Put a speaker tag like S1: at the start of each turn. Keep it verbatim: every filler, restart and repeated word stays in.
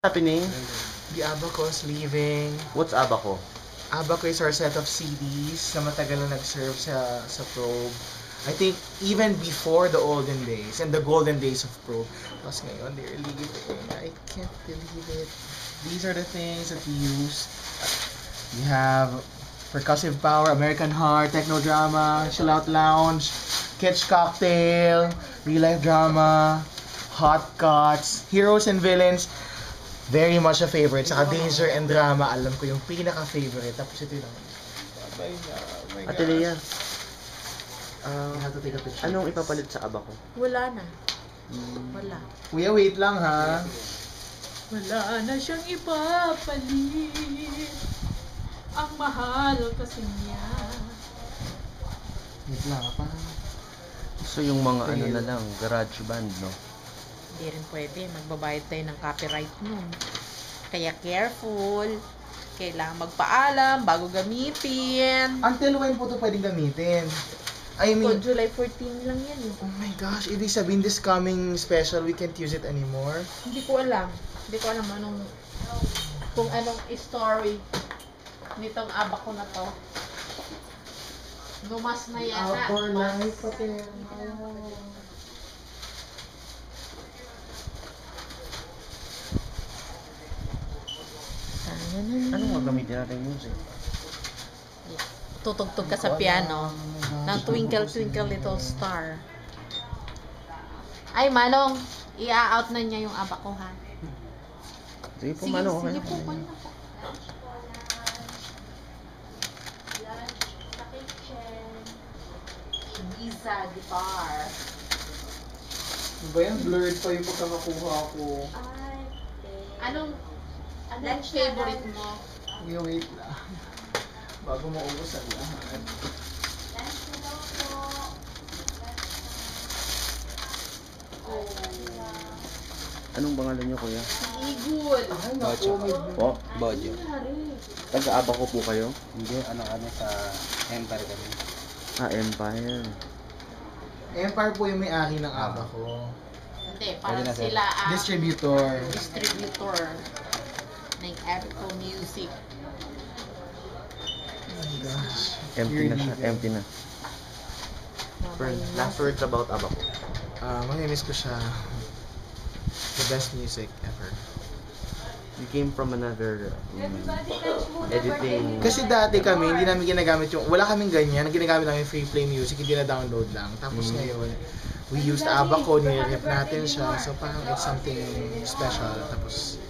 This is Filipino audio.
S1: happening?
S2: The Abaco is leaving.
S1: What's Abaco?
S2: Abaco is our set of C Ds na matagal na nag-serve sa, sa Probe. I think even before the olden days and the golden days of Probe. Tapos ngayon, they're leaving. I can't believe it. These are the things that we use. We have Percussive Power, American Heart, Techno Drama, Chill Out Lounge, Catch Cocktail, Real Life Drama, Hot Cuts, Heroes and Villains. Very much a favorite. Saka Danger and Drama, alam ko yung pinaka-favorite. Tapos ito lang. Oh my God, oh my God.
S1: Ate Lea,
S2: Uh, have to take a picture.
S1: anong ipapalit sa Abaco?
S3: Wala na. Wala.
S2: Kuya, wait lang ha.
S3: Wala na siyang ipapalit. Ang mahal kasi niya.
S2: Wait lang pa.
S1: So yung mga ano na lang, garage band, no?
S3: Hindi rin pwede. Magbabayad tayo ng copyright nun. Kaya careful. Kailangan magpaalam bago gamitin.
S2: Until when po ito pwedeng gamitin? I
S3: So,
S2: mean,
S3: July fourteen lang yan.
S2: oh my gosh, ibig sabihin this coming special, we can't use it anymore?
S3: Hindi ko alam. Hindi ko alam anong kung anong story nitong Abaco na to. Lumas na yan.
S2: Out for
S3: Mas-
S2: life, pati.
S1: Anong gagamitin natin yung music?
S3: Tutugtog ka sa piano ng Twinkle Twinkle Little Star. Ay, Manong, i-out na niya yung Abaco, ha?
S1: Sige po,
S3: Sige,
S1: Mano.
S3: sige
S1: okay.
S3: po, kunin na po. Ibiza guitar.
S2: Ano ba yan? Blurred pa yung pagkakakuha ko.
S3: Anong, anong favorite mo?
S2: Kuya, wait lang. Bago maubos ang lahat.
S1: Anong pangalan niyo, kuya?
S3: Igul.
S2: Ay, naku, may...
S1: Po? Bajo. Taga-Abaco po kayo?
S4: Hindi, ano-ano sa Empire kami.
S1: Ah, Empire.
S2: Empire po yung may-ari ng Abaco.
S3: Hindi, parang
S4: Pwede na, sir.
S3: sila ang
S2: Distributor.
S3: distributor ng Abaco Music.
S2: Oh my gosh.
S1: Empty na siya, empty na. Fern, last words about Abaco.
S2: Ah, mamimiss ko siya. The best music ever.
S1: You came from another um, editing.
S2: Kasi dati kami, hindi namin ginagamit yung, wala kaming ganyan, ang ginagamit namin free play music, hindi na download lang. Tapos
S1: Mm.
S2: ngayon, we used Abaco, nirip natin siya, so parang it's something special. Tapos,